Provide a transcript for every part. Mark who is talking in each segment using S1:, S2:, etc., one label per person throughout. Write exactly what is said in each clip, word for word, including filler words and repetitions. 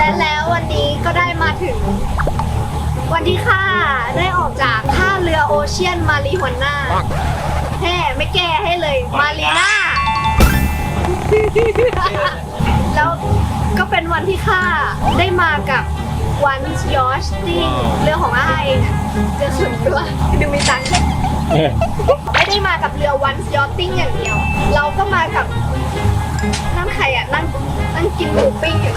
S1: และแล้ววันนี้ก็ได้มาถึงวันที่ข้าได้ออกจากท่าเรือโอเชียนมารีฮวน่าแฮ่ไม่แก้ให้เลยมารีน่า แล้วก็เป็นวันที่ข้าได้มากับวันยอชติ้งเรือของอ้ายเรือส่วนตัวดูมีตังค์ไม่ได้มากับเรือวันยอชติ้งอย่างเดียวเราก็มากับนั่งใครอ่ะนั่งนั่งกินหมูปิ้งอยู่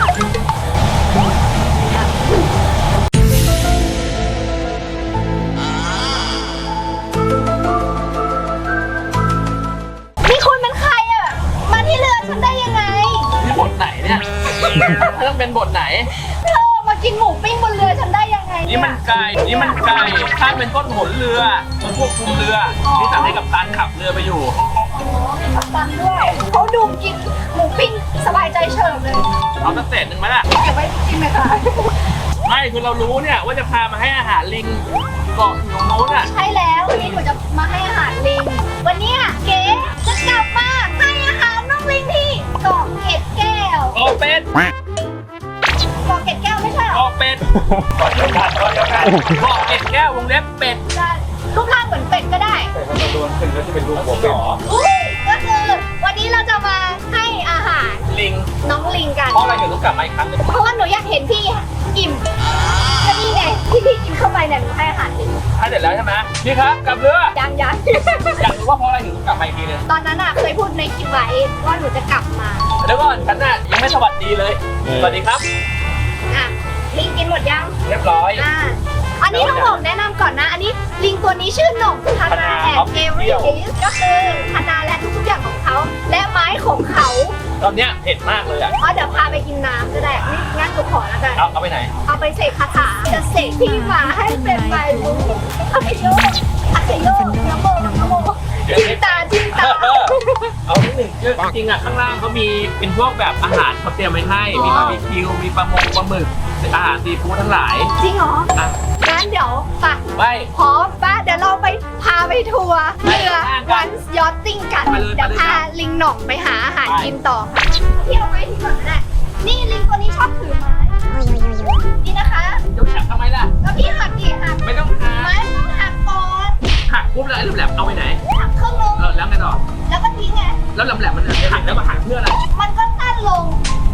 S1: นี่คุณเป็นใครอ่ะมาที่เรือฉันได้ยังไง
S2: นี่บทไหนเนี่ยต้องเป็นบทไหน
S1: เธอมากินหมูปิ้งบนเรือฉันได้ยังไง
S2: นี่มันไก่นี่มันไก่ข้าเป็นต้นหนเรือมันควบคุมเรือที่สั่งให้กัปตันขับเรือไปอยู่
S1: มีกัปตันด้วยเขาดูกินหมูปิ้งสบายใจเฉิบเลย
S2: เอาสักเศษหนึ่งไหมล่ะ
S1: เก็บไว้กินไหมคะ
S2: ไม่คือเรารู้เนี่ยว่าจะพามาให้อาหารลิงเกาะอยู่ตรงโน้นอ่ะ
S1: ใช่แล้ววันนี้หนูจะมาให้อาหารลิงวันนี้เก๋จะกลับมาให้อาหารน้องลิงที่เกาะเกร็ดแก้ว
S2: เกาะเป็ด
S1: เกาะเกร็ดแก้วไม่ใช่หรอ
S2: เกาะเป็ดเกาะเดียวกันเกาะเดียวกันเกาะเกร็ดแก้ววงเล็บเป็ด
S1: รูปร่างเหมือนเป็ดก็ได้
S2: แต่ถ้าโดนขึ้นก็จะเป็นรูปหัวเป็ด
S1: ก็คือวันนี้เราจะมาให้อาหาร
S2: ลิง
S1: น้องลิงกัน
S2: เพราะอะไรถึงต้องกลับมาอีกครั้งนึง
S1: เพราะว่าหนูอยากเห็นพี่อิ่มก็นี่ไงที่พี่กินเข้าไปเนี่ยหนูให้อาหารลิง
S2: ถ้าเสร็จแล้วใช่ไหมพี่ครับกลับเรือ
S1: ยังยัง
S2: อยากรู้ว่าเพราะอะไรถึงต้องกลับมาอีกทีนึง
S1: ตอนนั้นอ่ะเคยพูดในคลิปไว้ว่าหนูจะกลับมา
S2: แล้วก่อนฉันน่ะยังไม่สวัสดีเลยสวัสดีครับ
S1: อ่ะลิงกินหมดยัง
S2: เรียบร้อย
S1: อ่าอันนี้ต้องบอกแนะนำก่อนนะอันนี้ลิงตัวนี้ชื่อหน่งคานาแอนเอเวอร์ก็คือคานาและทุกๆอย่างของเขาและไม้ของเขา
S2: ตอนเนี้ยเผ็ดมากเลยอ่ะ
S1: อ๋อเดี๋ยวพาไปกินน้ำก็ได้งั้นหนูขอแล้วกัน
S2: เอาเอาไปไหน
S1: เอาไปเสกคาถาจะเสกพี่มาให้เป็นใบบุญอาเกโยอาเกโยนะโมนะโมจิ้มตาจิ้มตา
S2: เอาที่หนึ่งจริงอ่ะข้างล่างเขามีเป็นพวกแบบอาหารเขาเตรียมไว้ให้มีบาร์บีคิวมีปลาหมกปลาหมึกอาหารซีฟู้ดทั้งหลาย
S1: จริงเหรองั้นเดี๋ยวไป
S2: ไป
S1: พร้อมป่ะเดี๋ยวเราไปพาไปทัวร์เรือวันยอทติ้งกันเดี๋ยวพาลิงหน่องไปหาอาหารกินต่อค่ะพี่เอาไม้ที่ก่อนนะนี่ลิงตัวนี้ชอบถือไม้นี่นะคะ
S2: ยกแฉกทำไมล่ะ
S1: แล้วพี่หักดิหัก
S2: ไม่ต้องหัก
S1: ไม้ต้องหักก่อน
S2: หักปุ๊บแล้วไอ้แหลมๆเอาไปไหน
S1: หักครึ่งนึง
S2: เออแล้วไงต่อ
S1: แล้วก็ทิ้งไง
S2: แล้วแหลมๆมันหักแล้วมาหักเพื่ออะไร
S1: มันก็สั้นลง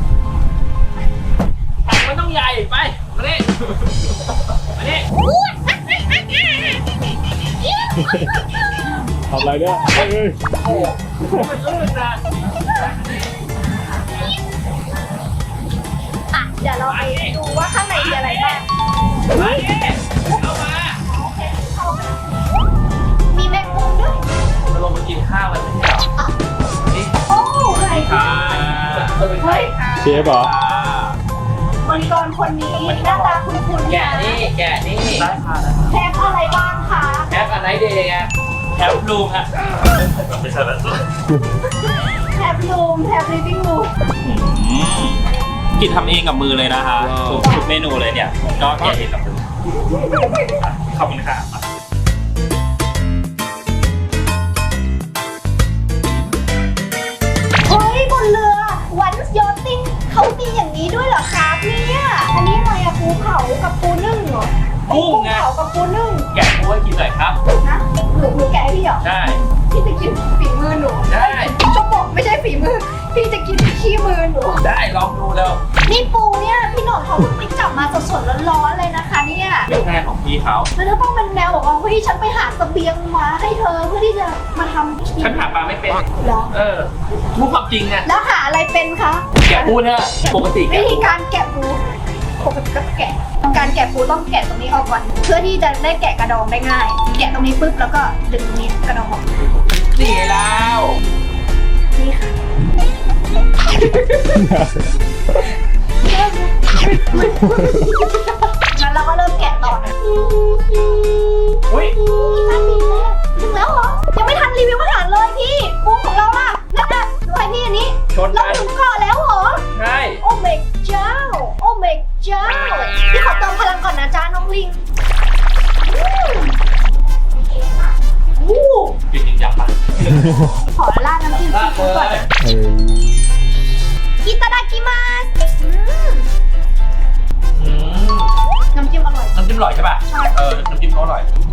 S2: หักมันต้องใหญ่ไปมาดิมาดิ
S3: ทำอะไรเนี่ยเฮ้ย
S2: โอ้มันลื่นนะ
S1: อ่ะเดี๋ยวเราไปดูว่าข้างในมีอะไรบ้าง
S2: มาดิเอามา
S1: มีแมงมุมด้วย
S2: เราลงมากินข้าวกันไม่ใช่เหรอนี่
S1: โอ้ใช่ค่ะเฮ้ย
S3: เชฟเหรอ
S1: มังกรคนนี้หน้าตาคุ้นๆ
S2: แกะนี่แกะนี่ได้ค่ะ
S1: แคปอะไรบ้างคะ
S2: แคปอะไรเดย์ไงแคปรูมฮะไม่ใช่แบบ
S1: แคปรูมแคปลิฟวิ่งรูม
S2: กินทำเองกับมือเลยนะฮะทุกเมนูเลยเนี่ยก็แกะเองกับมือขอบคุณค่ะ
S1: เฮ้ยบนเรือวันยอทติ้งเขามีอย่างนี้ด้วยเหรอครับเนี่ยอันนี้อะไรอะปูเผากับปูนึ่งเหรอ
S2: กุ้งไง
S1: ปูเผากับปูนึ่ง
S2: แกะปูให้กินหน่อยครับ
S1: นะหนูหนูแกะพี่เหรอ
S2: ใช่
S1: พี่จะกินฝีมือหนู
S2: ได้
S1: จะบอกไม่ใช่ฝีมือพี่จะกินขี้มือหนู
S2: ได้ลองดูแล้ว
S1: นี่ปูเนี่ยพี่หน่องเขาเพิ่งไปจับมาสดๆร้อนๆเลยนะคะเนี่ย
S2: เป็นงานของพี่เขา
S1: แล้วต้องเป็นแนวบอกว่าเฮ้ยฉันไปหาเสบียงมาให้เธอเพื่อที่จะมาทำ
S2: ฉันหาปลาไม่เป็น
S1: เหรอ
S2: เออพูดความจริงไง
S1: แล้วหาอะไรเป็นคะ
S2: แกะปูเนี่ยปกติ
S1: วิธีการแกะปูปกติก็แกะการแกะปูต้องแกะตรงนี้ออกก่อนเพื่อที่จะได้แกะกระดองได้ง่ายแกะตรงนี้ปุ๊บแล้วก็ดึงตรงนี้กระดองออก
S2: นี่แล้ว
S1: นี่ค่ะงั้นเราก็เริ่มแกะต่อนะ
S2: อุ้ย
S1: ทันทีแล้วถึงแล้วเหรอยังไม่ทันรีวิวอาหารเลยพี่ปูของเราล่ะนั่นน่ะดูไอ้นี่อันนี้เราถึงเกาะแล้วเหรอ
S2: ใช่
S1: โอ้เมกเจ้าโอ้เมกเจ้าพี่ขอเติมพลังก่อนนะจ้าน้องลิงวู้
S2: จริงๆจับปะ
S1: ขอราดน้ำจิ้มซีฟู้ดก่อนอิตาดากิมัส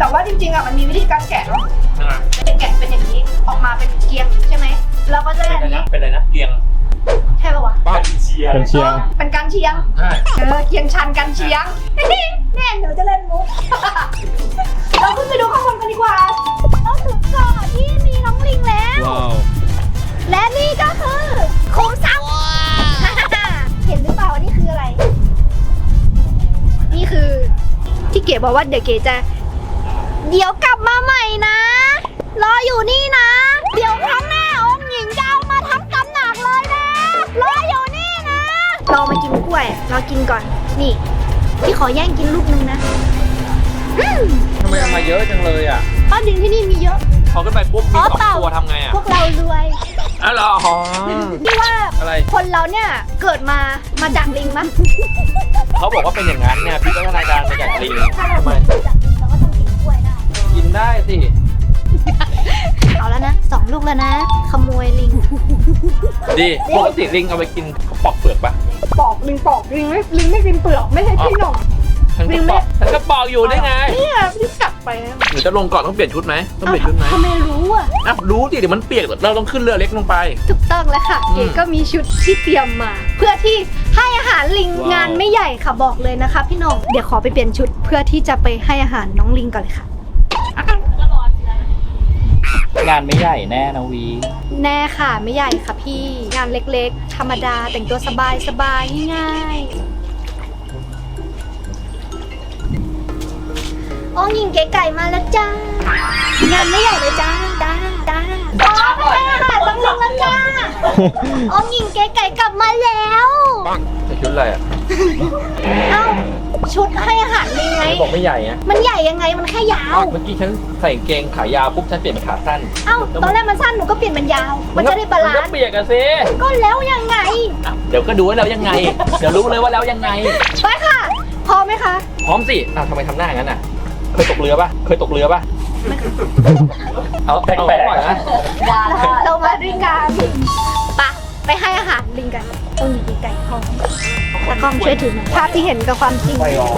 S1: ว่าจริงๆอ่ะมันมีวิธีการแกะเนาะ
S2: นะ
S1: จะแกะเป็นอย่างนี้ออกมาเป็นเกียงใช่ไหมเราก็จะได้
S2: เป็น
S1: อัน
S2: อะไร
S1: นี้
S2: นะเป็นอะไรนะเกียง
S1: ใช่ป่าวะ
S2: ป้าเชียร์
S3: เป็นเชียง
S1: เป็นการเชียง
S2: ใช่
S1: เออเกียงชันกันเชียง แน่หนูจะเล่นมุก เราขึ้นไปดูข้างบนกันดีกว่าเราถึงเกาะที่มีน้องลิงแล้ว
S3: ว้าว
S1: และนี่ก็คือคุ้มทรัพย์ เห็นหรือเปล่าว่านี่คืออะไร นี่คือที่เก๋บอกว่าเดี๋ยวเก๋จะ เดี๋ยวกลับมาใหม่นะ รออยู่นี่นะ เดี๋ยวครั้งหน้าองค์หญิงจะเอามาทำตำหนักเลยนะ รออยู่นี่นะ เรามากินกล้วย เรากินก่อน นี่ พี่ขอแย่งกินลูกนึงนะอืม
S2: ทำไมเอามาเยอะจังเลยอ่ะ
S1: ป้าดินที่นี่มีเยอะ
S2: พอขึ้นไปปุ๊บมี
S1: อ๋อ
S2: สอง
S1: เปล่า
S2: ตัวทำไงอ่ะ
S1: พวกเรารวย
S2: อ๋อเหรออ๋อ
S1: พี่ว่า
S2: อะไร
S1: คนเราเนี่ยเกิดมามาจากลิงมั้ย
S2: เขาบอกว่าเป็นอย่างนั้นเนี่ยพี่ก็รายการมาจากลิงทำไม
S1: จากลิงเราก็ต้องกินกล้วยได้
S2: กินได้สิ
S1: เอาแล้วนะสองลูกแล้วนะ ขโมยลิง
S2: ดีปกติลิงเอาไปกินเขาปอกเปลือกปะ
S1: ปอกลิงปอกลิงไม่ลิงไม่กินเปลือกไม่ใช่พี่หน่อง
S2: ฉันก็ปอกฉันก็ปอกอยู่ได้ไง
S1: เนี่ยพี่กลับไปนะ
S2: หรือจะลงก่อนต้องเปลี่ยนชุดไหมต้องเปลี่ยนชุดไหม
S1: ทำไมรู้อ่ะ
S2: อ่ะรู้สิเดี๋ยวมันเปียกเราต้องขึ้นเรือเล็กลงไป
S1: ถูกต้องแล้วค่ะ
S2: อืม
S1: เก๋ก็มีชุดที่เตรียมมา เพื่อที่ให้อาหารลิง
S2: ว้าว
S1: งานไม่ใหญ่ค่ะบอกเลยนะคะพี่หน่องเดี๋ยวขอไปเปลี่ยนชุด เพื่อที่จะไปให้อาหารน้องลิงก่อนเลยค่ะ
S2: งานไม่ใหญ่แน่นะวี
S1: แน่ค่ะไม่ใหญ่ค่ะพี่งานเล็กๆ ธรรมดาแต่งตัวสบายสบายๆง่ายๆอ้องยิงเก๋ไก่มาแล้วจ้างานไม่ใหญ่เลยจ้าจ้าจ้าอ๋อไม่ใช่อาหารต้องลงแล้วจ้าอ้องยิงเก๋ไก่กลับมาแล้ว
S2: ใส่ชุดอะไรอ่ะ
S1: เอ้าชุดให้อาหารลิงไง
S2: บอกไม่ใหญ่อะ
S1: มันใหญ่ยังไงมันแค่ยาว
S2: เมื่อกี้ฉันใส่กางเกงขายาวปุ๊บฉันเปลี่ยนเป็นขาสั้น
S1: เอ้าตอนแรกมันสั้นหนูก็เปลี่ยนเป็นยาว มันจะได้บาลาน
S2: ก็
S1: ซ์
S2: เปียกอะสิ
S1: ก็แล้วยังไง
S2: อ่ะเดี๋ยวก็ดูว่าแล้วยังไง เดี๋ยวรู้เลยว่าแล้วยังไง
S1: ไปค่ะพร้อมไหมคะ
S2: พร้อมสิอ้าวทำไมทำหน้าอย่างนั้นอ่ะ เคยตกเรือปะเคยตกเรือปะเอาแปลกๆนะ
S1: เรามาด้วยกันปะไปให้อาหารลิงกันต้องมีไก่ทองตากล้องช่วยถือหน่อยภาพที่เห็นกับความจริง
S2: ไปรอ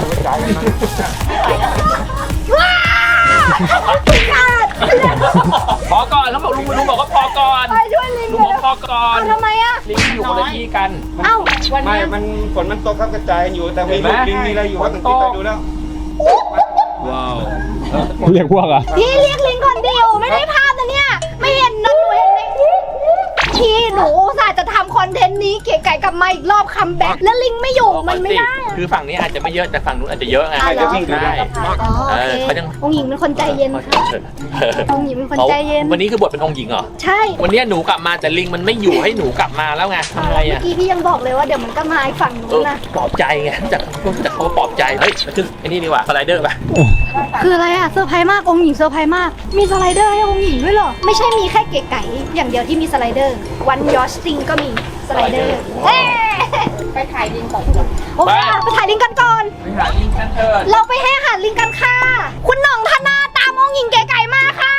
S1: ว้าวขาด
S2: พอก่อนแล้วบอกลุงลุงบอกว่าพอก่อน
S1: ไปช่วยลิง
S2: ลุงบอกพอก่อน
S1: เอาทำไมอ่ะ
S2: ลิงอยู่คนละที่กัน
S1: เอ้าวัน
S4: ไม่
S1: นี้
S4: มันฝนมันตกครับกระจายอยู่ แต่มี
S2: เห็นไหม
S4: ลูกลิงมีอะไรอยู่ครับ
S2: ฝ
S4: ถึ
S2: น
S4: ง
S2: ต
S4: ที่
S2: ก
S4: ไปดูแล้ว
S3: ว้าวเรียกพวกอ่ะ
S1: พี่เรียกลิงก่อนดิวไม่ได้ภาพนะเนี่ย ไม่เห็นนะหนูเห็นไหมพี่หนูอุตส่าห์จะทำคอนเทนต์นี้เก๋ไก่กลับมาอีกรอบคัมแบ็กแล้วลิงไม่อยู่มันไม่ได้อะ
S2: คือฝั่งนี้อาจจะไม่เยอะแต่ฝั่งนู้นอาจจะเยอะไง
S1: อ่ะเหรอ
S2: จะวิ่งได้
S1: อ๋อโอ
S2: เออ
S1: เค
S2: เขายัง
S1: องค์หญิงเป็นคนใจเย็นค่ะ
S2: เออ
S1: องค์หญิงเป็นคนใจเย็น
S2: วันนี้คือบทเป็นองค์หญิงเหรอ
S1: ใช่
S2: วันนี้หนูกลับมาแต่ลิงมันไม่อยู่ให้หนูกลับมาแล้วไงทำไง
S1: เมื่อ
S2: อ่ะ
S1: กี้พี่ยังบอกเลยว่าเดี๋ยวมันก็มาอีกฝั่ง
S2: เอ
S1: นู้น
S2: อ
S1: นะ
S2: ปลอบใจไงจากจากเขาปลอบใจเฮ้ยขึ้นไอ้นี่ดีกว่าสไลเดอร์ป่ะ
S1: คืออะไรอะเซอร์ไพรส์มากองค์หญิงเซอร์ไพรส์มาก มีสไลเดอร์ให้องค์หญิงด้วยเหรอ ไม่ใช่มีแค่เก๋ไก่อย่างเดียวที่มีสไลเดอร์ วันยอชติงก็มีสไลเดอร์เอ้ไปถ่ายลิงก่อนโอเคไปถ่ายลิงกันก่อน
S2: ไปหาลิงกันเถิด
S1: เราไปให้อาหารลิงกันค่ะ คุณหน่องธนาตามองค์หญิงเก๋ไก่มาค่ะ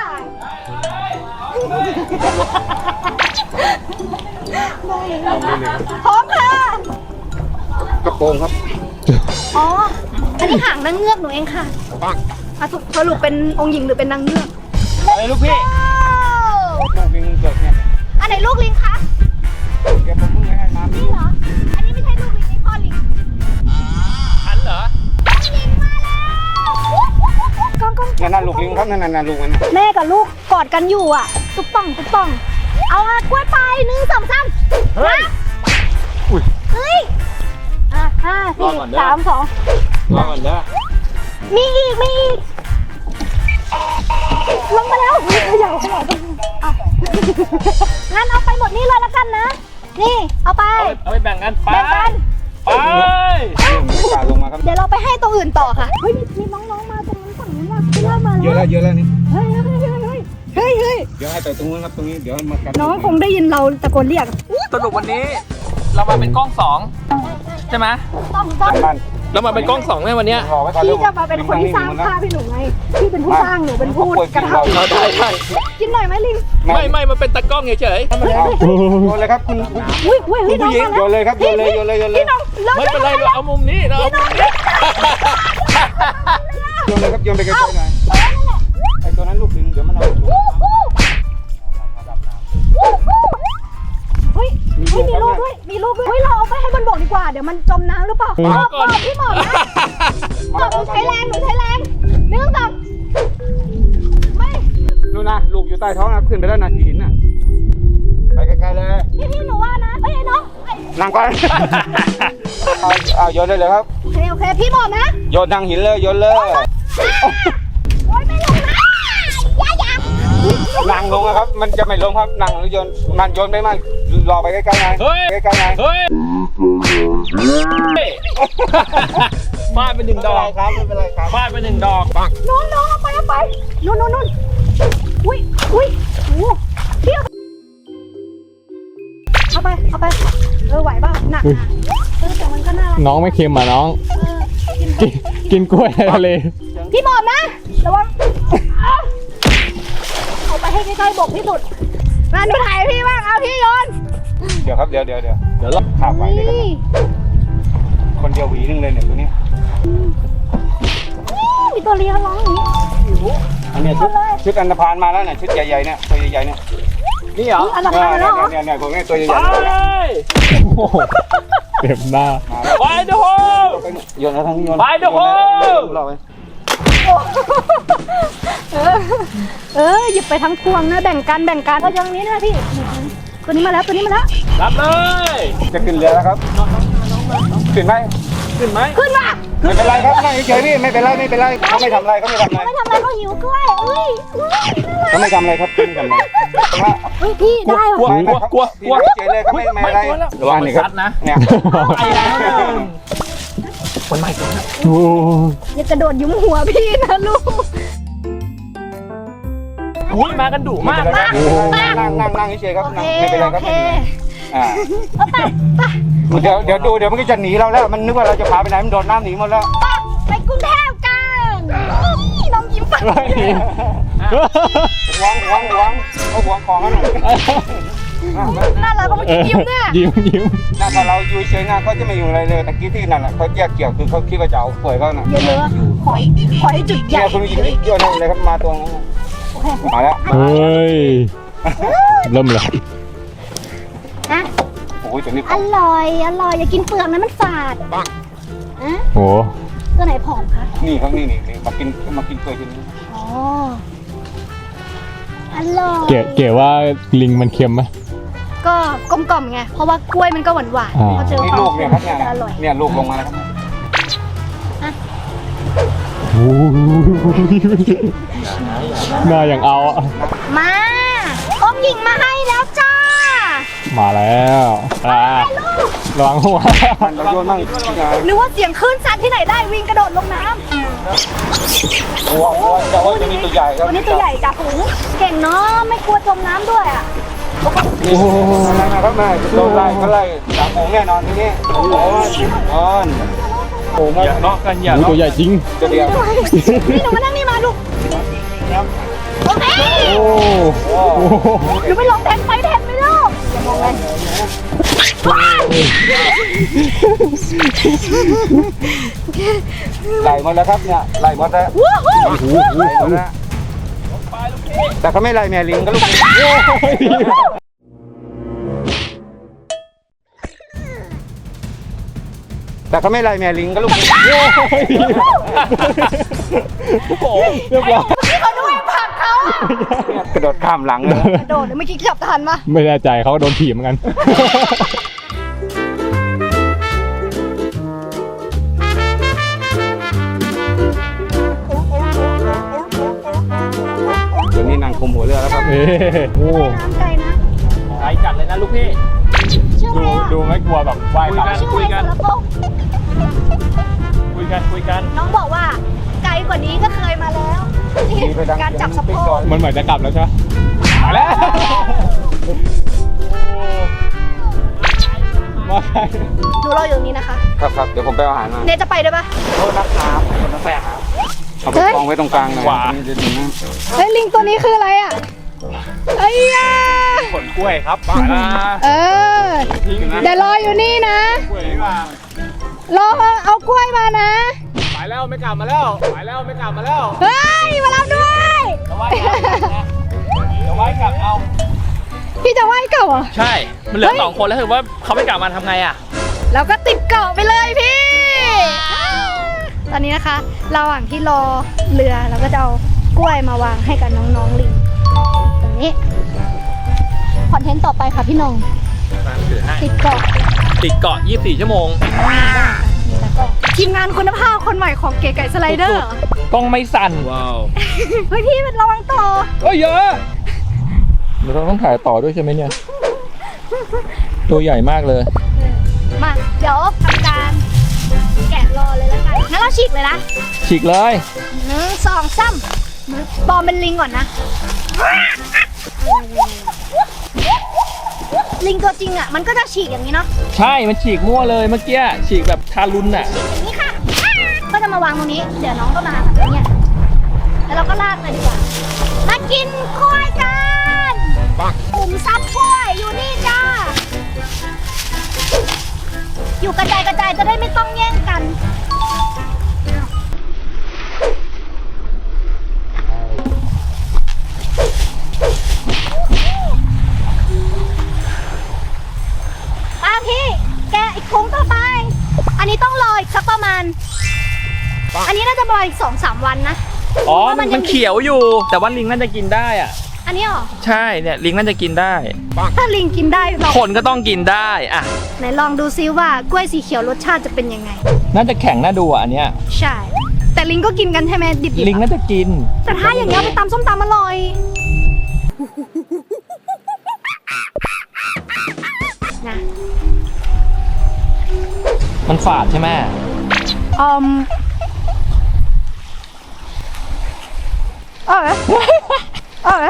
S1: พร้อมค่ะ
S4: กระโปรงครับ
S1: อ๋อ อันนี้หางนางเงือกหนูเองค่ะอ่ะสรุปสรุปเป็นองค์หญิงหรือเป็นนางเงือก
S4: อะไรลูกพี่ลูกลิงเกิดเนี่ย
S1: อันไหนลูกลิงคะ
S4: เดี๋ยวผมเพิ่งให้น้ำ
S1: นี่เหรอ อันนี้ไม่ใช่ลูกลิงนี่พ่อลิง
S2: อันเหรอ
S1: ลิงมาแล้วกล้องกล้อง
S4: นั่นน่ะลูกลิงครับนั่นน่ะลูกมันน่ะ
S1: แม่กับลูกกอดกันอยู่อ่ะ ตุ๊บป่องตุ๊บป่อง เอาอะกล้วยไปหนึ่งสองสาม
S2: เฮ้ย
S3: อุ้ย
S1: เฮ้ยอ่ะห้าร
S2: อ
S1: สี่
S2: ก่อนเด้อ
S1: สามสอง
S2: รอก่อนเด้อ
S1: มีอีก มีอีก ลงมาแล้วเขย่าเขย่าเอางั้นเอาไปหมดนี่เลยละกันนะ นี่ เอาไป
S2: เอาไปแบ่งกันไป
S1: แบ่งกัน
S2: ไป
S4: ไม่กล้าลงมาครับ
S1: เดี๋ยวเราไปให้ตัวอื่นต่อค่ะ เฮ้ย มีน้องๆมาตรงนั้นฝั่งนู้นว่ะพี่เล่ามา
S4: เยอะ
S1: แล้
S4: แล้ว วเยอะแล้วนี่
S1: เฮ้ยเฮ้ยเฮ้ยเฮ้ยเฮ้ยเฮ้ย
S4: เดี๋ยวให้ไปตรงนู้นครับตรงนี้เดี๋ยวมากัด
S1: น้องคงได้ยินเราตะโกนเรียก
S2: สรุปวันนี้ เรามาเป็นกล้องสองใช่ไหม
S1: ต้องต้อง
S4: บ้าน
S2: เรามาเป็นกล้องสองในวันเนี้ย
S4: รอไว้ก่อน
S1: พี่จะมาเป็นคนที่สร้างภาพให้หนูไง พี่เป็นผู้สร้างหนูเป็นผู้กระทำ
S2: เราได้ใช่
S1: กินหน่อยไหมลิง
S2: ไม่ไม่มันเป็นตากล้องเฉย
S4: เอาโยนเลยครับคุณคุณ
S1: อุ้ยอุ้ย
S4: คุ
S1: พี่
S4: ณ
S1: น้อ
S4: ผู้
S1: ง
S4: หญิง
S1: มา
S4: โย
S1: แล้ว
S4: นเลยครับโยนเลยโยนเลยโยนเลย
S1: พี่น้องเลิก
S2: ๆไม่เป็นไรเราเอามุมนี้เราเอามุมนี้
S4: โยนเลยครับโยนไปไกลๆหน่อย
S1: เอ้าเฮ้ยมีรูปด้วยมีรูปด้วยเฮ้ยเราเอาไปให้มันบอกดีกว่าเดี๋ยวมันจมน้ำหรือเปล่าหมอบหมอบพี่หมอบนะหมอบหนูใช้แรงหนูใช้แรงหนึ่งสองไม่
S4: นู่นนะลูกอยู่ใต้ท้องนะขึ้นไปแล้วนะที่หินน่ะไปไกลๆเลย
S1: พี่พี่หนูว่านะเอ้ยน้องเอ้ย
S4: นั่งก่อนเอาเอาโยนได้เลยครับ
S1: โอเคโอเคพี่หมอบนะ
S4: โยนทางหินเลยโยนเลย
S1: โอ๊ยไม่ลงนะอย่าอย่า
S4: นั่งลงนะครับ มันจะไม่ลงครับนั่งแล้วโยนมันโยนไปมากรอไปใกล้ๆไง
S2: เฮ้ย
S4: ใกล้ๆไง
S2: เฮ้ยฟาดไปหนึ่งดอก
S4: ครับไม่เป็นไรครับ
S2: ฟาดไปหนึ่งดอกปัง
S1: น้องน้องเอาไปเอาไปนู่นนู่นนู่นอุ้ยอุ้ยโอ้พี่เอาไปเอาไปเออไหวป่ะหนักนะเออแต่มันก็น่ารัก
S3: น้องไม่เค็มอ่ะน้อง
S1: เออกินไป
S3: กินกินกล้วยในทะเล
S1: พี่หมอบนะระวังเอาไปให้ใกล้ๆบกที่สุดมาดูถ่ายพี่บ้างเอาพี่โยน
S4: เดี๋ยวครับเดี๋ยวเดี๋ยวเดี๋ยวเดี๋ยวเราขาบไว้เลยครับ
S1: นี่
S4: คนเดียวหวีนึงเลยเนี่ยตัวนี้
S1: มีตัวเลี้ยงร้องอย่างนี้
S4: อันเนี้ยชุดชุดอันธพาลมาแล้วเนี่ยชุดใหญ่ๆเนี่ยตัวใหญ่ๆเนี่ย
S2: นี่เหรอ
S1: อันดับ
S4: เนี่ย
S1: ห้าแล้วเหรอ
S4: เนี่ยเนี่ยพวกนี้ตัวใหญ่
S2: ไป
S4: ๆเนี่ย
S3: โอ้โหเต็มหน้า
S4: มาแล้ว
S2: ไปดูโฮ
S4: โยนแล้วทั้งนี้โยน
S2: ไปเดี๋ยวโอ้
S4: รอไว้
S1: เออเออหยิบไปทั้งพวงนะแบ่งกันแบ่งกันเอาอย่างนี้นะพี่ตัวนี้มาแล้วตัวนี้มาแล้ว
S2: รับเลย
S4: จะขึ้นเรือแล้วครับขึ้นไหม
S2: ขึ้นไหม
S1: ขึ้นมา
S4: ไม่เป็นไรครับนั่งเฉยๆพี่ไม่เป็นไรไม่เป็นไรเขาไม่ทำอะไรเขาไม่ทำอะไร
S1: ไม่ทำอะไรก็หิวกล้วยอุ้ยอุ้ย
S4: เขาไม่ทำอะไรครับเขาไม่ทำอะไร
S1: เฮ้ยพี่ได้
S2: กลัว
S1: ว่ะ
S2: กลัวกลัวกลัว
S4: เฉยเลยเขาไม่ไม่อะไร
S2: ระวังมันซัดนะ
S4: เนี่ย
S2: ไปแล้วคนใหม่คนใหม่
S3: โอ้
S1: อย่ากระโดดยุ้มหัวพี่นะลูก
S2: อุ้ยมากันดุมากนะ
S4: นั่งนั่งนั่งนั่งเฉยๆครับ
S1: โอเค
S4: ไม่เป็นไร
S1: โอ
S4: ครับ
S1: เค
S4: อ่า
S1: เอาไปไป
S4: เดี๋ยวเดี๋ยวดูเดี๋ยวมันก็จะหนีเราแล้วมันนึกว่าเราจะพาไปไหนมันโดดน้ำหนีหมดแล้ว
S1: ไปกรุงเทพกันน้องยิ้มไป
S4: หวงหวงหวงเอาหวงของกันหน่อย
S1: น่ารักก็ไม่ยิ้มเนี่ย
S3: ยิ้มยิ้ม
S4: น่าถ้าเราอยู่เฉยๆนะเขาจะไม่อยู่อะไรเลยตะกี้ที่นั่นแหละเขาแยกเกี่ยวคือเขาคิดว่าจะเอาเปื่อยเขาน่ะ
S1: เยอะๆขอยขอยจุดใหญ่
S4: เนี่ยคุณยิงโยนเลยครับมาตรงนั้นมาแล้ว
S3: เฮ้ย เริ่มเลย
S1: นะ
S4: โอ้ยตัวนี้
S1: อร่อยอร่อยอย่ากินเปลือกนะมันฝาดอ่ะ
S3: โห
S1: ตัวไหนผอมคะ
S4: นี่ครับนี่นี่มากินมากินเปื่อยทีนี้
S1: อ๋ออร่อย
S3: เก๋เก๋ว่าลิงมันเค็มไหม
S1: ก็กลมกล่อมไงเพราะว่ากล้วยมันก็หวานหวาน
S3: อ่า
S1: พอเจอ
S4: นี่
S1: ควา
S4: ลู
S1: ม
S4: ก
S1: เค็
S4: เนี่ย
S1: ม
S4: ครับเนี่ย
S1: จะอร่อย
S4: เนี่ยลูกลงมาแล้วครับ
S3: โอ้ยหน้าอย่างเอาอะ
S1: มาอมหญิงมาให้แล้วจ้า
S3: มาแล้วอ่าระวังหัว
S4: มันเราโยนมั่ง
S1: นึกว่าเสียงคลื่นซัดที่ไหนได้วิ่งกระโดดลงน้ำ
S4: โอ้โหแต่ว่าตัวนี้ตัวใหญ่ครับ
S1: ตัวนี้ตัวใหญ่จ่าฝูงเก่งเนาะไม่กลัวจมน้ำด้วยอ่ะ
S4: นี่มาครับมาโดนไล่เขาไล่สามโมงแน่นอนทีนี้โอ้โหนอนโอ้โห
S2: อย่าเลาะกันอย่า
S3: โอ้ย
S2: เลาะ
S3: ตัวใหญ่จริง
S4: ตัวเดียว
S1: นี่หนูมานั่งนี่มาลูกโอเค
S3: โอ้โห
S1: หนูไปลงแทนไฟแทนไหมลูกอย่ามองเลยว้าว
S4: ไหลหมดแล้วครับเนี่ยไหลหมดแล้ว
S1: วู้ฮู้
S4: ไหลหมดแล้วแต่เขาไม่ไล่แม่ลิงก็ลูกแต่เขาไม่ไล่แม่ลิงก็ลูก
S3: โอ้โหเรียบร้อย
S1: พี่เขาด้วยผลักเขาอะ
S4: กระโดดข้ามหลังเลย
S1: กระโดดเมื่อกี้จับทันปะ
S3: ไม่แน่ใจเขาก็โดนถีบเหมือนกัน
S4: เดี๋ยวนี้นั่งคุมหัวเรือแล้วครับ
S3: เอ้โอ้
S1: น้ำไกลนะ
S2: ไกลจัดเลยนะลูกพี่
S1: ชื่ออะไร
S3: ดู
S1: อ่ะ
S3: ดูไม่กลัวแบบว่ายกลับ
S1: ชื่ออะไรสารพงษ์
S2: คุยกันคุยกัน
S1: น้องบอกว่าไกลกว่านี้ก็เคยมาแล้วการจับสะโพก
S3: มันเหมือนจะกลับแล้วใช่ไหมมาแล้วมา
S1: หนูรออยู่ตรงนี้นะคะ
S4: ครับครับเดี๋ยวผมไปเอาอาหารมา
S1: เนยจะไปด้วยปะ
S4: โทษนะครับคนละแฝงครับเอาไปกองไว้ตรงกลางหน่อยนี่จะดีนะ
S1: เฮ้ยลิงตัวนี้คืออะไรอ่ะไอ้ยา
S2: ผลกล้วยครับมาละ
S1: เออ
S2: ทิ้งนะ
S1: เดี๋ยวรออยู่นี่นะ
S2: กล้วยดีกว่าร
S1: อเอากล้วยมานะ
S2: ไปแล้วไม่กลับมาแล้วไปแล้วไม่กลับมาแล้ว
S1: เฮ้ยมารับด้วย
S2: จะไว้กลับนะจะไว้กลับเอา
S1: พี่จะไหว้เก่าเหรอ
S2: ใช่ มันเหลือสองคนแล้วถือว่าเขาไม่กลับมาทำไงอ่ะ
S1: แล้วก็ติดเกาะไปเลยพี่ ตอนนี้นะคะระหว่างที่รอเรือเราก็จะเอากล้วยมาวางให้กับน้องๆลิงตรงนี้คอนเทนต์ต่อไปค่ะพี่นง
S2: มาถือให้
S1: ติดเกาะ
S2: ติดเกาะยี่สิบสี่ชั่วโมง
S1: นี่แล้วก็ทีมงานคุณภาพคนใหม่ของเก๋ไก่สไลเดอร์
S2: กล้องไม่สั่น ว้าว
S1: เฮ้ยพี่มันระวังต่อ
S2: โอ้ยเยอะเราต้องถ่ายต่อด้วยใช่ไหมเนี่ย ตัวใหญ่มากเลย
S1: มาเดี๋ยวทำการแกะรอเลยแล้วกันงั้นเราฉีกเลยนะ
S2: ฉีกเลย
S1: หนึ่งสองสามปลอมเป็นลิงก่อนนะ ลิงตัวจริงอ่ะมันก็จะฉีกอย่างนี้เนาะ
S2: ใช่ มันฉีกมั่วเลยเมื่อกี้ ฉีกแบบทารุณน่ะ
S1: อย่างนี้ค่ะ ก็จะมาวางตรงนี้ เดี๋ยวน้องก็มาแบบนี้แล้วเราก็ลากเลยดีกว่า มากินกล้วยกันปุ่มซับกล้วยอยู่นี่จ้า อยู่กระจายกระจายจะได้ไม่ต้องแย่งกันป้าพี่ แกะอีกถุงต่อไป อันนี้ต้องรออีกสักประมาณ อันนี้น่าจะประมาณอีกสองสามวันนะ
S2: อ๋อ มันมันเขียวอยู่ แต่ว่าลิงน่าจะกินได้อ่ะ
S1: อันนี้เหรอ
S2: ใช่ เนี่ยลิงน่าจะกินได้
S1: ถ้าลิงกินได้เรา
S2: คนก็ต้องกินได้อ่ะ
S1: ไหนลองดูซิว่ากล้วยสีเขียวรสชาติจะเป็นยังไง น่า
S2: น่าจะแข็งน่าดูอ่ะอันเนี้ย
S1: ใช่ แต่ลิงก็กินกันใช่ไหมดิบๆ
S2: ลิง
S1: อะ
S2: น่าจะกิน
S1: แต่ถ้าอย่างเงี้ยเอาไปตำส้มตำอร่อย นะ
S2: มันฝาดใช่ไหม
S1: อืมเออเออ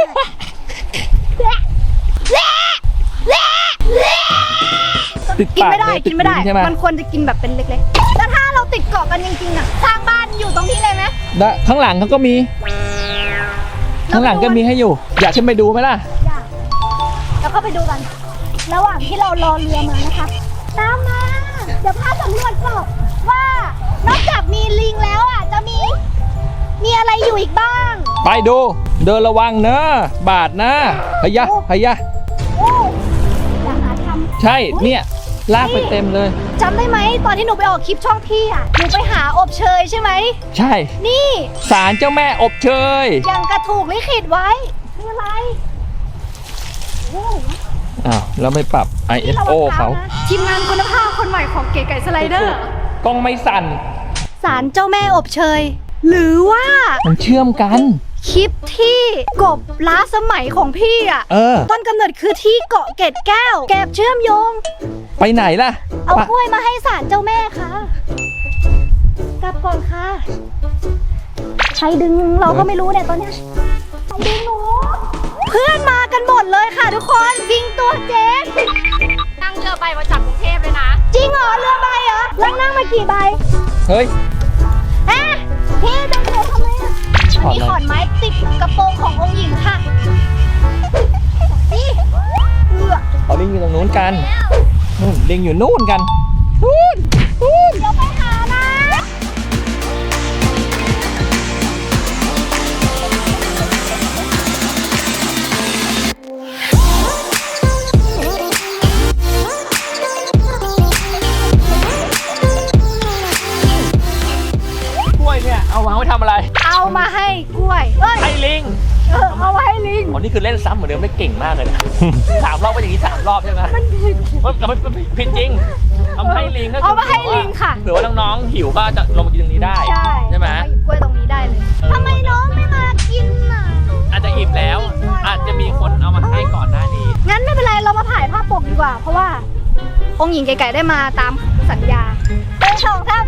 S1: กินไม่ได้ กินไม่ได้
S2: ใช่ไหม
S1: มันควรจะกินแบบเป็นเล็กๆแต่ถ้าเราติดเกาะกันจริงๆอ่ะสร้างบ้านอยู่ตรงนี้เลยไหม
S2: ได้ข้างหลังเขาก็มี ข้างหลังก็มีให้อยู่ อยากขึ้นไปดูไหมล่ะ
S1: อยากแล้วก็ไปดูกัน ระหว่างที่เรารอเรือมานะคะ ตามมา เดี๋ยวพาสำรวจก่อนว่านอกจากมีลิงแล้วอ่ะ จะมี มีอะไรอยู่อีกบ้าง
S2: ไปดู เดินระวังเนอะบาดนะพยะพยะ
S1: โอ้อยากหาท
S2: ใช่ เนี่ย ลากไปเต็มเลย
S1: ำจำได้ไหมตอนที่หนูไปออกคลิปช่องพี่อ่ะ หนูไปหาอบเชยใช่ไหม
S2: ใช่
S1: นี่
S2: ศาลเจ้าแม่อบเชย
S1: ยังกระถูกลิขิตไว้คืออะไรโอ้
S2: อ้าว แล้วไม่ปรับ ไอ เอส โอ เขา
S1: ทีมงานคุณภาพคนใหม่ของเก๋ไก่สไลเดอร์
S2: กล้องไม่สั่น
S1: ศาลเจ้าแม่อบเชย หรือว่า
S2: มันเชื่อมกัน
S1: คลิปที่กบล้าสมัยของพี่อ่ะ
S2: เออ
S1: ต้นกำเนิดคือที่เกาะเกร็ดแก้ว แกบเชื่อมโยง
S2: ไปไหนล่ะ
S1: เอา
S2: ปะ
S1: กล้วยมาให้ศาลเจ้าแม่ค่ะ กลับก่อนค่ะ ใครดึงเราก็ไม่รู้เนี่ยตอนเนี้ยใครดึงหนู เพื่อนมากันหมดเลยค่ะทุกคนวิงตัวเจ๊ง
S5: นั่งเรือใบมาจากกรุงเทพเลยนะ
S1: จริงเหรอเรือใบเหรอแล้วนั่งมากี่ใบ
S2: เฮ้ย
S1: เอ๊ะพี่ดึงหนูทำไมอ่ะ
S2: ถอด
S1: มี
S2: เลย
S1: ขอนไม้ติดกระโปรงขององค์หญิงค่ะนี่เอือ
S2: เอาลิงอยู่ตรงนู้นกันนู่นลิงอยู่นู่นกันนู่นนู่น
S1: เดี๋ยวไปหานะ
S2: กล้วยเนี่ย เอาวางไว้ทำอะไร
S1: เอามาให้กล้วยเอ้ย
S2: ให้ลิง
S1: เออเอามาให้ลิง
S2: อ๋อนี่คือเล่นซ้ำเหมือนเดิมได้เก่งมากเลยนะ สามรอบก็อย่างนี้สามรอบใช่ไหมมันมันมันผิดจริงเอามาให้ลิงก็คื
S1: เอามาให้ลิงค่ะ
S2: เผื่อว่าน้องๆหิวก็จะลงมากินตรงนี้ได้
S1: ใช่
S2: ใช่ไหม
S1: เอาหยิบกล้วยตรงนี้ได้เลยทำไมน้องไม่มากินน่ะ
S2: อาจจะอิ่มแล้ว อาจจะมีคนเอามาให้ก่อนหน้านี้
S1: งั้นไม่เป็นไรเรามาถ่ายภาพปกดีกว่า เพราะว่า องค์หญิงไก่ๆได้มาตามสัญญาเอ้ยสองท่าน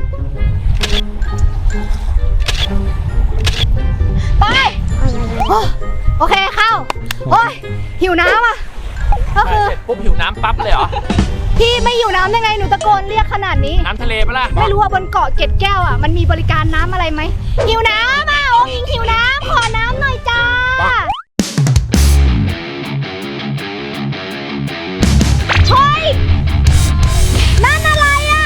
S1: ไปโอ้โอเคเข้า โอ้ยหิวน้ำอ่ะ ก็คือ
S2: เสร็จปุ๊บหิวน้ำปั๊บเลยเหรอ
S1: พี่ไม่หิวน้ำได้ไงหนูตะโกนเรียกขนาดนี้
S2: น้ำทะเลปะล่ะ
S1: ไม่รู้ว่าบนเกาะเกร็ดแก้วอ่ะมันมีบริการน้ำอะไรไหมหิวน้ำอ่ะองค์หญิงหิวน้ำขอน้ำหน่อยจ้าเฮ้ยนั่นอะไรอ่ะ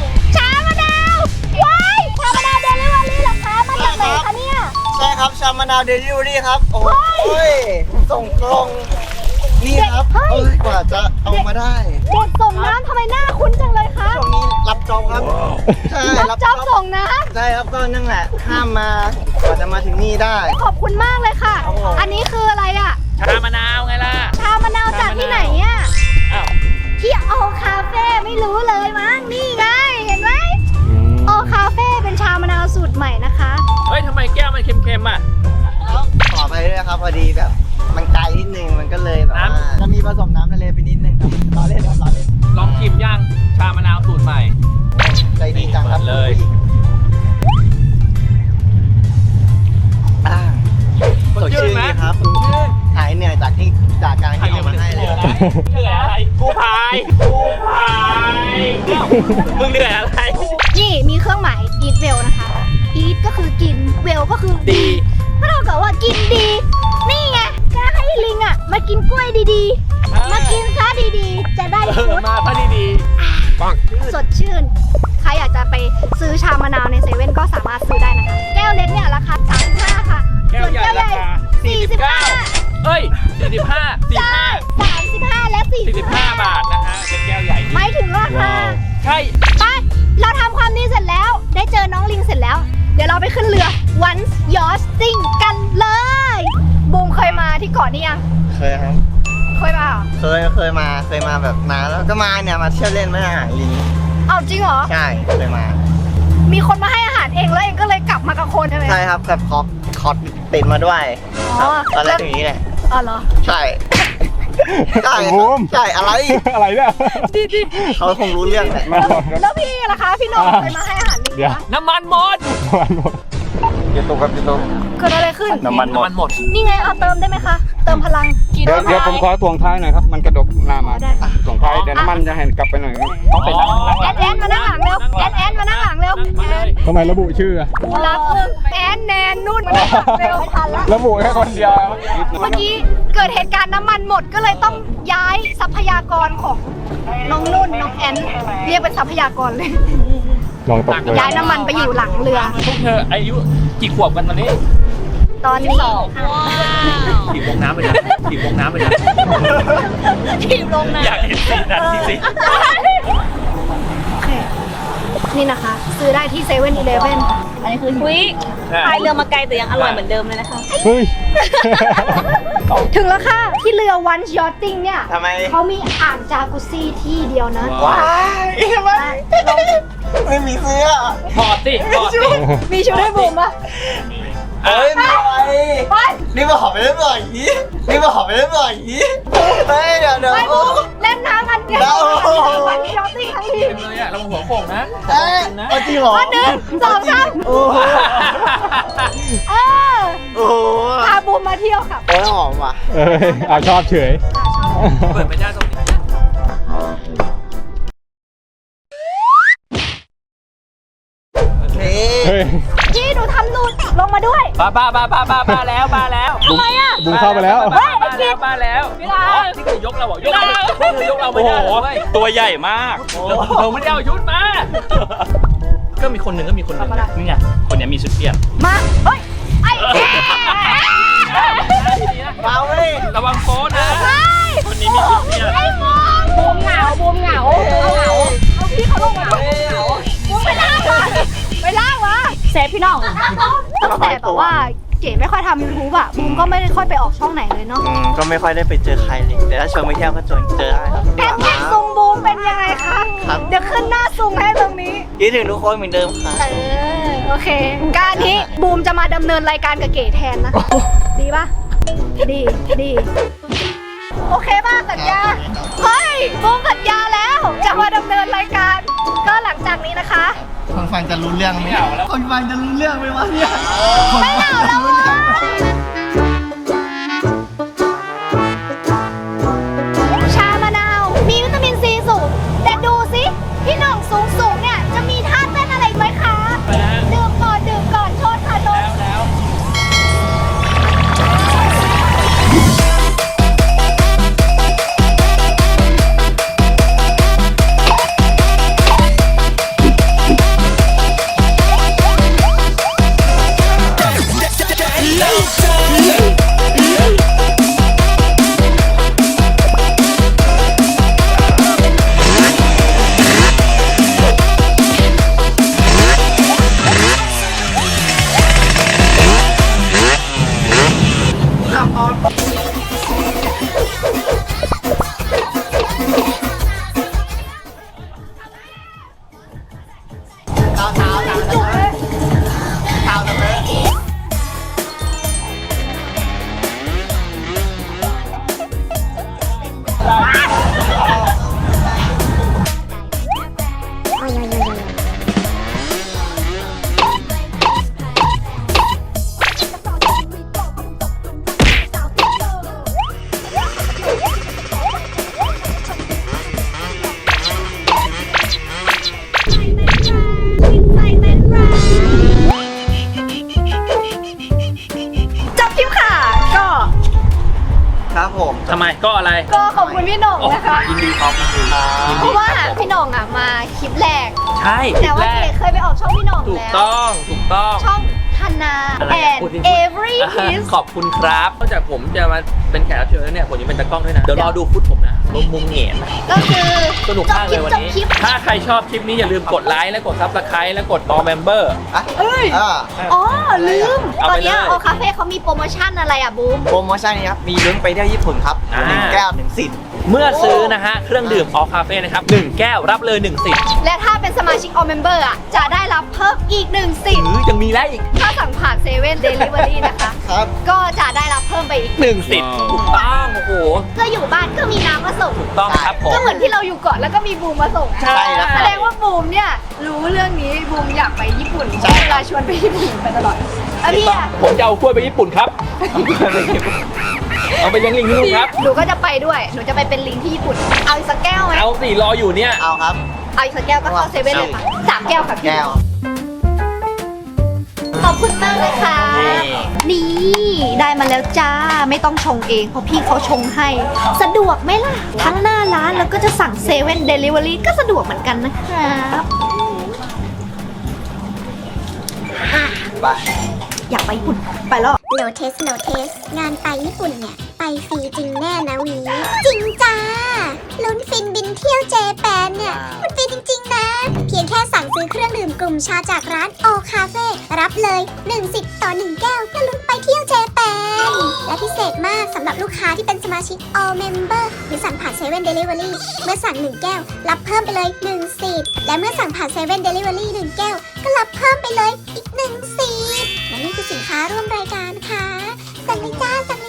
S1: ชามะนาวว้ายชามะนาวเดลิเวอรี่เหรอคะมาจากไหนคะเนี่ย
S4: ใช่ครับชามะนาว
S6: าวเดลิเวอรี่ครับโอ้ยส่งตรงนี่ครับเอ้ยกว่าจะเอามาได้
S1: เด็กส่งน้ำทำไมหน้าคุ้นจังเลยคะ
S6: ช่วงนี้รับจอบครับใช่
S1: รับจ๊อบส่งน้
S6: ใช่ครับก็นั่นแหละข้ามมากว่าจะมาถึงนี่ได้
S1: ำขอบคุณมากเลยค่ะ
S6: ครับผม
S1: อันนี้คืออะไรอ่ะ
S2: ชามะนาวไงล่ะ
S1: ชามะนาวจากที่ไหนอ่ะ
S2: อ้าว
S1: ที่โอคาเฟ่ไม่รู้เลยมั้งนี่ไงเห็นไหมโอคาเฟ่เป็นชามะนาวสูตรใหม่นะคะ
S2: เฮ้ยทำไมแก้วมันเค็มๆอ่ะ
S6: ขอไปด้วยครับพอดีแบบมันไกลนิดนึงมันก็เลยแบบว่า
S2: น้ำ
S6: จะมีผสมน้ำทะเลไปนิดนึงครับล้อเล่นครับล้อเล่น
S2: ลองชิมย่างชามะนาวสูตรใหม่
S6: ใจดีจังครับ
S2: เลย
S6: อ่าสดชื่นดีครับหายเหนื่อยจากที่จากการที่เอามาให้เลย
S2: เหนื่อยอะไรกูพายกูพายมึงเหนื่อยอะไร
S1: นี่มีเครื่องหมาย eat well นะคะ eat ก็คือกิน well ก็คือ
S2: ดี
S1: ก็เท่ากับว่ากินดี นี่ไงก็ให้ลิงอ่ะมากินกล้วยดีๆ มากินซะดีๆ จะได้
S2: เอ
S1: ฟุ
S2: อ
S1: ต
S2: มาพอดีๆปัง
S1: สดชื่น ใครอยากจะไปซื้อชามะนาวในเซเว่นก็สามารถซื้อได้นะคะ แก้วเล็กเนี่ยราคาสามสิบห้าค่ะ
S2: แก้วใหญ่ราคา
S1: สี่สิบห้า
S2: เอ้ยสี่สิบห้าสี่
S1: ใช่
S2: ห้า
S1: สามสิบห้าและสี่
S2: สี่สิบห้าบาทนะฮะเป็นแก้วใหญ่
S1: ไม่ถึงราคา
S2: ใช่
S1: ไป เราทำความดีเสร็จแล้ว ได้เจอน้องลิงเสร็จแล้ว เดี๋ยวเราไปขึ้นเรือ Once Yachting กันเลยบูมเคยมาที่เกาะนี้ยัง
S6: เคยครับ
S1: เคยมาเหรอ
S6: เคยเคยมาเคยมาแบบนานแล้วก็มาเนี่ยมาเที่ยวเล่นไม่อาหารลิง
S1: เอาจริงเหรอ
S6: ใช่เคยมา
S1: มีคนมาให้อาหารเองแล้วเองก็เลยกลับมากับคนใช่ไหม
S6: ใช่ครับแบบคอคอติดมาด้วย
S1: อ๋อ
S6: ตอนแรกอย่างนี้แหละ
S1: อ๋อเหรอ
S6: ใช่ใช่
S3: บูม
S6: ใช่อะไร
S3: อะไรเนี่ย
S1: ดีดี
S6: เขาคงรู้เรื่องแหละ
S3: มาหมดครับ
S1: แล้วพี่ล่ะคะ พี่โหน้องเคยมาให้อาหารลิง
S3: เดี๋ยว
S1: ปะ
S2: น้ำมันหมด
S3: ประมาณหมด
S4: เกียร์ตกครับเกียร์ตก
S1: เกิดอะไรขึ้น
S4: น้ำมันหมด
S2: น้ำมันหมด
S1: นี่ไงเอาเติมได้ไหมคะ เติมพลังกิน
S4: เดี๋ยวเดี๋ยวผมขอถ่วงท้ายหน่อยครับ มันกระดกหน้ามา
S1: ได้ค่ะ
S4: ถ่วงท้ายเดี๋ยวน้ำมันจะให้กลับไปหน่อยครับ
S2: ต้องเป็นนั่งนั่ง
S1: แอนแอนมานั่งหลังเร็วแอนแอนมานั่งหลังเร็วแอน
S3: ทำไมระบุชื่ออะ
S1: รับหนึ่งแอนแนนนุ่นมานั่งหลังเร็วไม่ทันละ
S3: ระบุแค่คนเดียว
S1: เมื่อกี้เกิดเหตุการณ์น้ำมันหมดก็เลยต้องย้ายทรัพยากรของน้องนุ่นน้องแอนเรียกเป็นทรัพยากรเลย
S3: ลองตกเลย
S1: ย้ายน้ำมันไปอยู่หลังเรือ
S2: พวกเธออายุกี่ขวบกันตอนนี้
S1: ตอนนี้
S2: ถีบลงน้ำไปนะถีบลงน้ำไปนะ
S1: ทีมลงน้
S2: อยากเห็นสีนั้นจริง
S1: โอเค นี่นะคะ ซื้อได้ที่เซเว่นอีเลฟเว่น
S5: อันนี้คืออุ้ย
S2: ๆ
S5: พายเรือมาไกลแต่ยังอร่อยเหมือนเดิมเลยนะคะ
S3: เฮ้ย
S1: ถึงแล้วค่ะ ที่เรือ Once Yachting เนี่ย
S6: ทำไม
S1: เขามีอ่างจากุซซี่ที่เดียวนะ
S6: ว้ายทำไมไม่มีเสื้อ
S2: ถอดสิถอดสิ
S1: มีชุดให้บุ๋มปะ
S6: เฮ้ยไม่ไหว
S1: ไป
S6: นี่มาหอมไปเล่นบ่อยอย่างนี้นี่มาหอมไปเล่นบ่อยอย่างนี้เฮ้ยเดี๋ยวเดี๋ยว
S1: ไปบุ๋มเล่นน้ำกันเดียว
S6: เอา
S1: วันยอตติ้งทั้งที
S2: เป็นเลยอะเราหัวโขกนะ
S6: เอ้ยเอาจริงเหรอ
S1: มาหนึ่งสองสาม
S6: โอ้โห
S1: เออ
S6: โอ้โห
S1: พาบุ๋มมาเที่ยวค่ะ
S6: โอ้ยหอมว่ะ
S3: เอ้ยเอาชอบเฉย
S2: เปิดไม่ได้ตรงนี้
S6: นี่
S3: เฮ้ย
S1: จี้หนูทำหลุดลงมาด้วย
S2: บ้าบ้าบ้าบ้าบ้าบ้าแล้วบ้าแล้ว
S1: ทำไมอ่ะ
S3: บุ้งเข้าไปแล้ว
S2: บ้าแล้วบ้าแล้วนี่คือยกเราเหรอยกเราคือยกเราไม่ได้เลย
S7: ตัวใหญ่มาก
S2: เราไม่ได้เอายุทธมา ก็มีคนหนึ่งก็มีคนหนึ่ง
S7: นี่ไง คนเนี้ยมีชุดเปลี่ยน
S1: มาเฮ้ยไอ้เอ๊ะ
S6: มาเว้ย
S2: ระวังโป๊นะ
S1: เฮ้ย
S7: คนนี้มีชุดเปลี่ยน
S1: ไอ้มองบูมเหงาบูมเหงาเอาเหงาเอาพี่เขาลงมาด้วยเหงาบูมไปล่างมาไปล่างมา
S5: เซฟพี่น้อง
S1: ตั้งแต่แบบว่าเก๋ไม่ค่อยทำยูทูบอะบูมก็ไม่ได้ค่อยไปออกช่องไหนเลยเนาะ
S6: อืมก็ไม่ค่อยได้ไปเจอใครเลยแต่ถ้าชวนไปเที่ยวก็ชวนเจอได้ครับ
S1: แอนแท็กซุงบูมเป็นยังไงคะ
S6: ครับ
S1: เดี๋ยวขึ้นหน้าซุงให้ตรงนี้
S6: คิดถึงทุกคนเหมือนเดิมค่ะ
S1: เออโอเค การนี้บูมจะมาดำเนินรายการกับเก๋แทนนะ ดีปะดีดีโอเคป่ะสัญญาเฮ้ยบูมสัญญาแล้วจะมาดำเนินรายการ ก็หลังจากนี้นะคะ
S6: คนฟังจะรู้เรื่องไหมคนฟังจะรู้เรื่องไหมวะเนี่ย
S1: ไม่เอาแล้วเว้ยชามะนาว มีวิตามินซีสูง แต่ดูสิพี่หน่องสูงสูงๆเนี่ย จะมีท่าเต้นอะไรไหมคะ ดื่มก่อน ดื่มก่อนโทษค่ะโทษ
S2: แล้ว
S8: Low time.
S1: จบคลิปค่ะ ก็
S6: ครับผม
S2: ทำไมก็อะไร
S1: ก็ขอบคุณพี่หน่องนะคะ
S2: ยินดีครับยินดียิน
S1: เพ
S2: ดี
S1: ราะว่า
S2: ครับผม
S1: พี่หน่องอ่ะมาคลิปแรก
S2: ใช่
S1: แต่ว่า
S2: คลิป
S1: เก๋
S2: แรก
S1: เคยไปออกช่องพี่หน่อง
S2: ถูก
S1: แล้ว
S2: ต้องถูกต้อง
S1: ช่องธนา
S2: อะไรอะ
S1: and
S2: พูดสิ
S1: every
S2: อ่า
S1: piece
S2: ขอบคุณครับนอกจากผมจะมาเป็นแขกรับเชิญแล้วเนี่ยผมยังเป็นตากล้องด้วยนะ เดี๋ยวรอดูฟุตผมนะลงมุมเหงียนนะ
S1: ก็คือ
S2: สนุกมากเลยวัน
S1: จบ
S2: นี้
S1: คลิปจบคลิป
S2: ถ้าใครชอบคลิปนี้อย่าลืมกดไลค์และกดซับสไครต์และกด all member
S6: อ่ะ
S1: เอ้ย
S6: อ่า
S1: อ๋อ ลืม
S2: เอา
S1: ตอ
S2: ไป
S1: นเนี้ย
S2: เลย
S1: โอคาเฟ่เขามีโปรโมชั่นอะไรอ่ะบูม
S6: โปรโมชั่นนี้ครับ มีลุ้นไปเที่ยวญี่ปุ่นครับ
S2: อ่า
S6: หนึ่งแก้วหนึ่งสิทธิ์
S2: เมื่อซื้อนะฮะ เครื่องดื่ม all cafe นะครับหนึ่งแก้วรับเลยหนึ่งสิทธิ์
S1: และถ้าเป็นสมาชิก all member อ่ะ จะได้รับเพิ่มอีกหนึ่งสิท
S2: ห
S1: ธิ์
S2: รือยังมีแล้วอีก
S1: ถ้าสั่งผ่านเซเว่นเดลิเวอรี่นะคะ
S6: ครับ
S1: ก็จะได้รับเพิ่มไปอีก
S2: หนึ่งสิทธิ์ถูกต้องโอ้โห
S1: ก็อยู่บ้านก็มีน้ำมาส่ง
S2: ถูกต้องครับผม
S1: ก็เหมือนที่เราอยู่เกาะแล้วก็มีบูมมาส่งอะ
S2: ใช่แล้ว
S1: แสดงว่าบูมเนี่ยรู้เรื่องนี้บูมอยากไปญี่ปุ่นเวลาชวนไปญี่ปุ่นไปตลอดแล้วพี่อะ
S2: ผมจะเอากล้วยไปญี่ปุ่นครับ เอาไปเลี้ยงลิงที่นู่นครับ
S1: หนูก็จะไปด้วย หนูจะไปเป็นลิงที่ญี่ปุ่น เอาอีกสักแก้วไหม
S2: เอาสิรออยู่เนี่ย
S6: เอาครับ
S1: เอาอีกสักแก้วก็เข้าเซเว่นเลยค่ะสามแก้วค่ะพี่
S6: แก้ว
S1: ขอบคุณมากเลยค่ะ นี่ได้มาแล้วจ้า ไม่ต้องชงเองเพราะพี่เขาชงให้ สะดวกไหมล่ะ ทั้งหน้าร้านแล้วก็จะสั่งเซเว่นเดลิเวอรี่ก็สะดวกเหมือนกันนะครับอ่ะ
S6: ไป
S1: อยากไปญี่ปุ่น ไปแล้ว
S8: โนเทสโนเทสงานไปญี่ปุ่นเนี่ย ไปฟรีจริงแน่นะวี จริงจ้า ลุ้นฟินบินเที่ยวเจแปนเนี่ย มันฟินจริงๆนะ เพียงแค่สั่งซื้อเครื่องดื่มกลุ่มชาจากร้านโอคาเฟ่รับเลยหนึ่งสิทธิ์ต่อหนึ่งแก้วเพื่อลุ้นไปเที่ยวเจแปน และพิเศษมากสำหรับลูกค้าที่เป็นสมาชิก All Member หรือสั่งผ่านเซเว่นเดลิเวอรี่เมื่อสั่งหนึ่งแก้ว รับเพิ่มไปเลยหนึ่งสิทธิ์และเมื่อสั่งผ่านเซเว่นเดลิเวอรี่หนึ่งแก้วก็รับเพิ่มไปเลยอีกหนึ่งสิทธิ์และนี่คือสินค้าร่วมรายการค่ะสั่งเลยจ้าสั่งเลย